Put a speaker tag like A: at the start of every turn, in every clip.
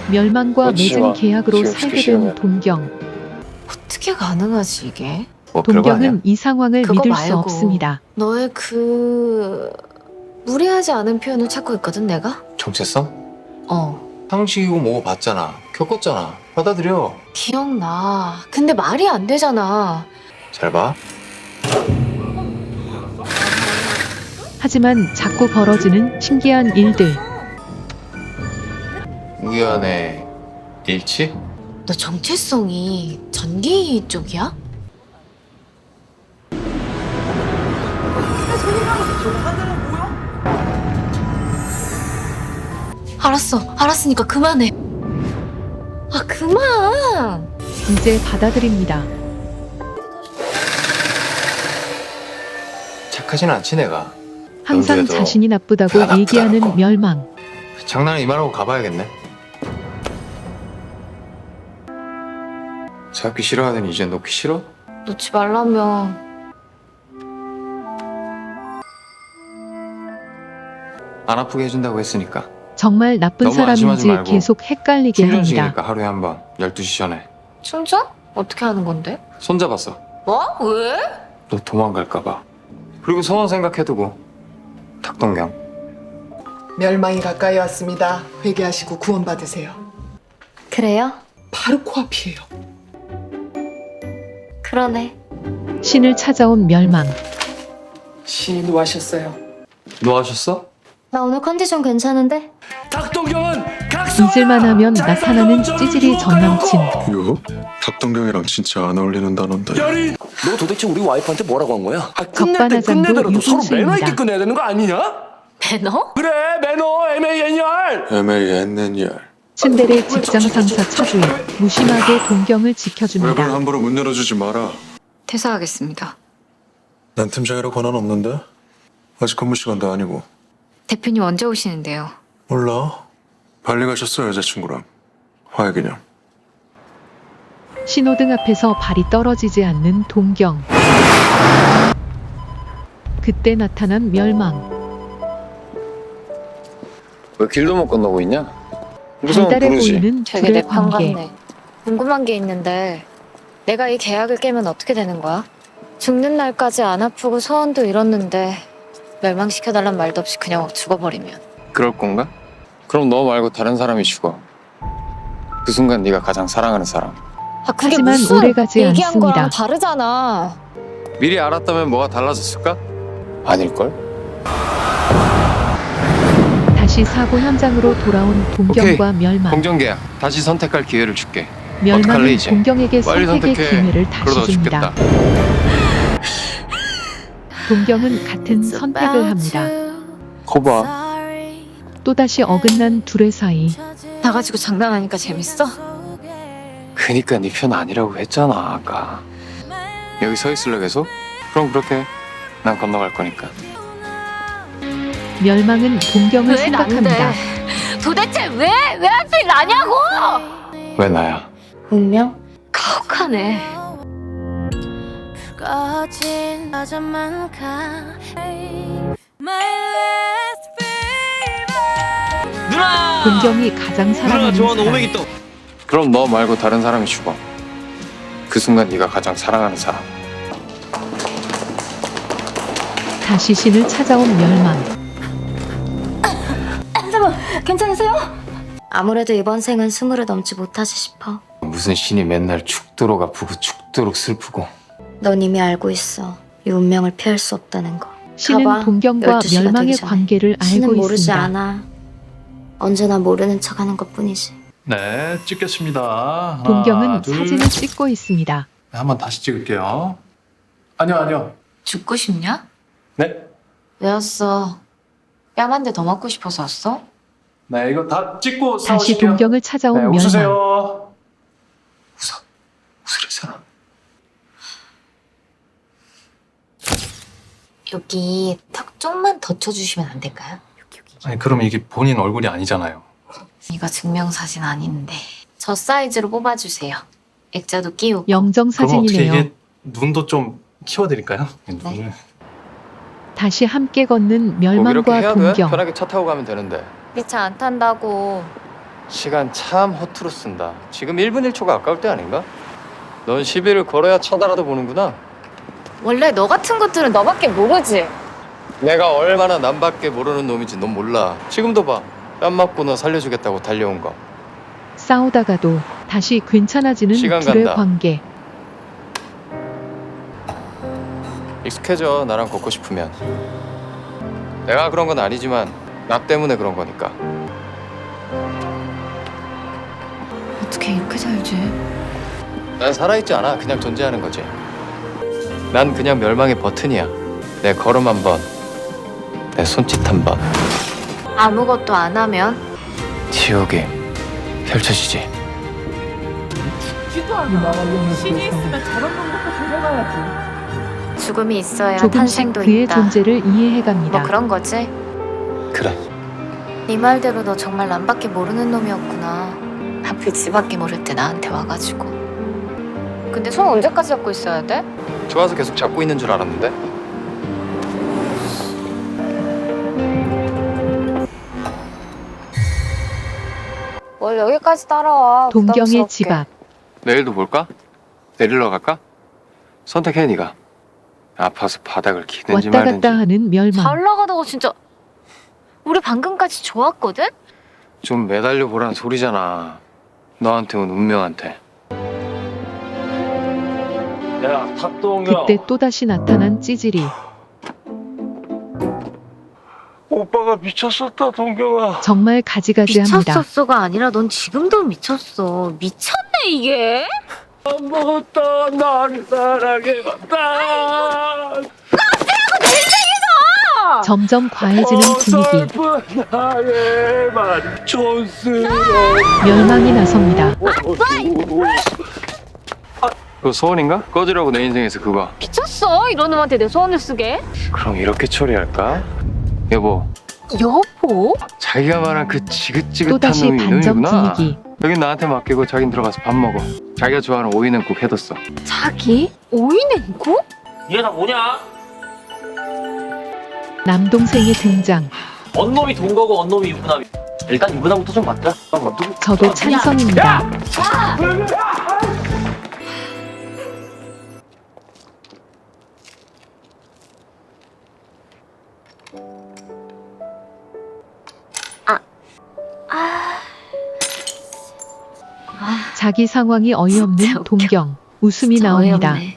A: 멸망과
B: 그렇지,
A: 맺은
B: 마.
A: 계약으로
B: 지금
A: 살게
B: 시키면.
A: 된 동경.
C: 어떻게 가능하지 이게?
B: 뭐 별거 아니야.
A: 동경은 이 상황을
C: 그거
A: 믿을 수
C: 말고
A: 없습니다.
C: 너의 그 무례하지 않은 표현을 찾고 있거든 내가?
B: 정체성?
D: 상식이고 뭐고 봤잖아. 겪었잖아. 받아들여.
C: 기억나. 근데 말이 안 되잖아.
D: 잘 봐.
A: 하지만 자꾸 벌어지는 신기한 일들.
D: 우연의 일치?
C: 너 정체성이 전기 쪽이야? 알았으니까 그만해. 아 그만.
A: 이제 받아들입니다.
D: 착하진 않지 내가.
A: 항상
D: 영주에도
A: 자신이 나쁘다고
D: 다
A: 얘기하는
D: 나쁘다고.
A: 멸망.
D: 장난을 이만하고 가봐야겠네. 잡기 싫어하더니 이제 놓기 싫어?
C: 놓지 말라며.
D: 안 아프게 해준다고 했으니까.
A: 정말 나쁜
D: 너무 안심하지
A: 사람인지
D: 말고
A: 계속 헷갈리게 합니다.
D: 충전식이니까 하루에 한 번 12시 전에
C: 충전? 어떻게 하는 건데?
D: 손잡았어.
C: 뭐? 왜?
D: 너 도망갈까 봐. 그리고 소원 생각해두고 탁동경.
E: 멸망이 가까이 왔습니다. 회개하시고 구원받으세요.
C: 그래요?
E: 바로 코앞이에요.
C: 그러네.
A: 신을 찾아온 멸망.
E: 신이 노하셨어요.
D: 노하셨어?
C: 나 오늘 컨디션 괜찮은데?
F: 탁동경은
A: 잊을만 하면 나타나는 찌질이 전남친.
G: 이거 탁동경이랑 진짜 안 어울리는다는데.
F: 너 도대체 우리 와이프한테 뭐라고 한 거야? 끝낼 때
A: 적반하장도
F: 끝내더라도 서로 매너
A: 유분수입니다.
F: 있게 끝내야 되는 거 아니냐?
C: 배너?
F: 그래 매너 MANR.
G: MANNR.
A: 츤데레 직장 상사 차주인 무심하게 동경을
G: 웹을
A: 지켜줍니다.
G: 함부로 문 열어주지 마라.
C: 퇴사하겠습니다.
G: 난 팀장이라 권한 없는데? 아직 근무 시간도 아니고.
C: 대표님 언제 오시는데요?
G: 몰라. 발리 가셨어 여자친구랑. 화해기념.
A: 신호등 앞에서 발이 떨어지지 않는 동경. 그때 나타난 멸망.
D: 왜 길도 못 건너고 있냐? 무서운
A: 달달해
D: 부르지.
A: 보이는
C: 되게
A: 둘의
C: 내 편
A: 관계.
C: 같네. 궁금한 게 있는데 내가 이 계약을 깨면 어떻게 되는 거야? 죽는 날까지 안 아프고 소원도 이뤘는데 멸망시켜달란 말도 없이 그냥 죽어버리면
B: 그럴 건가? 그럼 너 말고 다른 사람이 죽어. 그 순간 네가 가장 사랑하는 사람.
C: 아 그게
A: 하지만
C: 무슨
A: 오래가지
C: 얘기한
A: 않습니다.
C: 거랑 다르잖아.
B: 미리 알았다면 뭐가 달라졌을까? 아닐걸?
A: 다시 사고 현장으로 돌아온 동경과 멸망.
B: 공정계약 다시 선택할 기회를 줄게. 어떡할래,
A: 멸망은
B: 이제?
A: 동경에게
B: 빨리
A: 선택의
B: 선택해.
A: 기회를
B: 그러다
A: 다시 줍니다.
B: 죽겠다.
A: 동경은 같은 선택을 합니다.
B: 거봐.
A: 또다시 어긋난 둘의 사이.
C: 나가지고 장난하니까 재밌어?
B: 그니까 네 편 아니라고 했잖아 아까. 여기 서 있을래 계속? 그럼 그렇게 해. 난 건너갈 거니까.
A: 멸망은 동경을
C: 왜 난데?
A: 생각합니다.
C: 도대체 왜 하필 나냐고?
B: 왜 나야?
C: 운명? 가혹하네.
H: 꺼진 여전만 가
F: 누나.
A: 동경이 가장 사랑하는 사람.
B: 그럼 너 말고 다른 사람이 죽어. 그 순간 네가 가장 사랑하는 사람.
A: 다시 신을 찾아온 멸망.
C: 괜찮으세요? 아무래도 이번 생은 20을 넘지 못하지 싶어.
D: 무슨 신이 맨날 죽도록 아프고 죽도록 슬프고.
C: 넌 이미 알고 있어. 이 운명을 피할 수 없다는 거.
A: 신은
C: 가봐.
A: 동경과
C: 12시가 되기
A: 멸망의
C: 전에.
A: 관계를
C: 신은
A: 알고
C: 모르지
A: 있습니다.
C: 않아. 언제나 모르는 척하는 것뿐이지.
I: 네, 찍겠습니다. 하나,
A: 동경은
I: 둘.
A: 사진을 찍고 있습니다.
I: 네, 한번 다시 찍을게요. 아니요.
C: 죽고 싶냐?
I: 네,
C: 왜 왔어? 뺨 한 대 더 맞고 싶어서 왔어?
I: 네, 이거 다 찍고
A: 다시
I: 싸우실게요.
A: 동경을 찾아온
I: 네,
A: 멸망.
I: 웃으세요.
D: 웃으랬잖아.
C: 여기 턱 좀만 더 쳐주시면 안 될까요?
I: 아니, 그럼 이게 본인 얼굴이 아니잖아요.
C: 이거 증명사진 아닌데 저 사이즈로 뽑아주세요. 액자도 끼우고.
A: 영정
I: 그러면 어떻게
A: 사진이네요.
I: 이게 눈도 좀 키워드릴까요? 눈을.
A: 다시 함께 걷는
B: 꼭 이렇게
A: 멸망과
B: 해야 돼?
A: 동경.
B: 편하게 차 타고 가면 되는데.
C: 네 차 안 탄다고.
B: 시간 참 허투루 쓴다. 지금 1분 1초가 아까울 때 아닌가? 넌 시비를 걸어야 쳐다라도 보는구나.
C: 원래 너 같은 것들은 너밖에 모르지.
B: 내가 얼마나 남밖에 모르는 놈인지 넌 몰라. 지금도 봐. 뺨 맞고 너 살려주겠다고 달려온 거.
A: 싸우다가도 다시 괜찮아지는
B: 시간
A: 둘의
B: 간다.
A: 관계.
B: 익숙해져, 나랑 걷고 싶으면. 내가 그런 건 아니지만 나 때문에 그런 거니까.
C: 어떻게 이렇게 살지?
B: 난 살아있지 않아. 그냥 존재하는 거지. 난 그냥 멸망의 버튼이야. 내 걸음 한 번, 내 손짓 한 번,
C: 아무것도 안 하면
B: 지옥이 펼쳐지지.
C: 죽음이 있어야
A: 조금씩
C: 탄생도
A: 그의
C: 있다.
A: 존재를 이해해갑니다.
C: 뭐 그런 거지?
B: 그래.
C: 네 말대로 너 정말 남밖에 모르는 놈이었구나. 하필 지밖에 모를 때 나한테 와가지고. 근데 손 언제까지 잡고 있어야 돼?
B: 좋아서 계속 잡고 있는 줄 알았는데.
C: 뭘 여기까지 따라와.
A: 동경의
C: 부담스럽게.
A: 집 앞.
B: 내일도 볼까? 내리러 갈까? 선택해 네가. 아파서 바닥을 기든지
A: 왔다
B: 말든지.
A: 갔다 하는 멸망.
C: 잘 나가다가 진짜. 우리 방금까지 좋았거든?
B: 좀 매달려 보란 소리잖아. 너한테 온 운명한테.
F: 야, 탁동경.
A: 그때 또다시 나타난 찌질이.
F: 오빠가 미쳤었다, 동경아.
A: 정말 가지가지합니다.
C: 미쳤었어가 아니라 넌 지금도 미쳤어. 미쳤네 이게.
F: 안 먹었다, 나를 사랑해봤다.
A: 점점 과해지는 분위기.
F: 어설픈 나의 말 촌스러워.
A: 멸망이 나섭니다.
B: 그거 소원인가? 꺼지라고 내 인생에서 그거.
C: 미쳤어 이런 놈한테 내 소원을 쓰게.
B: 그럼 이렇게 처리할까? 여보,
C: 여보?
B: 자기가 말한 그 지긋지긋한
A: 또다시
B: 놈이
A: 반전
B: 이놈이구나.
A: 분위기.
B: 여긴 나한테 맡기고 자긴 들어가서 밥 먹어. 자기가 좋아하는 오이냉국 해뒀어.
C: 자기? 오이냉국?
F: 얘 다 뭐냐?
A: 남동생의 등장.
F: 언놈이 동거고 언놈이 유부남이. 일단 유부남부터 좀 맞자.
A: 저도 찬성입니다. 자기 상황이
C: 진짜
A: 어이없는
C: 웃겨.
A: 동경. 웃음이
C: 진짜
A: 나옵니다.
C: 어이없네.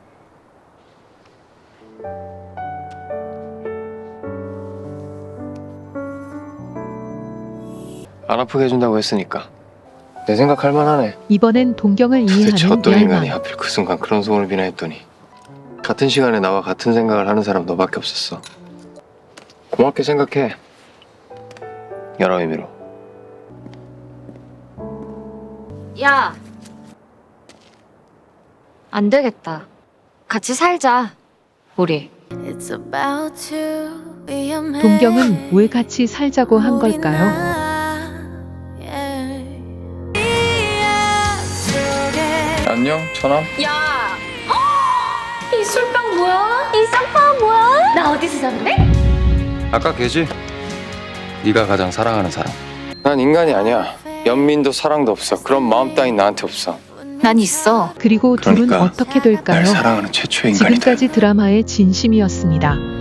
B: 안 아프게 해준다고 했으니까. 내 생각할 만하네.
A: 이번엔 동경을
B: 도대체
A: 이해하는
B: 어떤 인간이
A: 멸망.
B: 하필 그 순간 그런 소원을 비나 했더니 같은 시간에 나와 같은 생각을 하는 사람 너밖에 없었어. 고맙게 생각해. 여러 의미로.
C: 야. 안 되겠다. 같이 살자. 우리.
H: It's about to be a man.
A: 동경은 왜 같이 살자고 한 걸까요?
B: 안녕, 처남.
C: 야. 이 술병 뭐야? 이 쌍파 뭐야? 나 어디서 샀네?
B: 아까 걔지? 네가 가장 사랑하는 사람. 난 인간이 아니야. 연민도 사랑도 없어. 그런 마음 따윈 나한테 없어.
C: 난 있어.
A: 그리고 둘은
B: 그러니까
A: 어떻게 될까요?
B: 날 사랑하는 최초의 인간이다.
A: 지금까지 드라마의 진심이었습니다.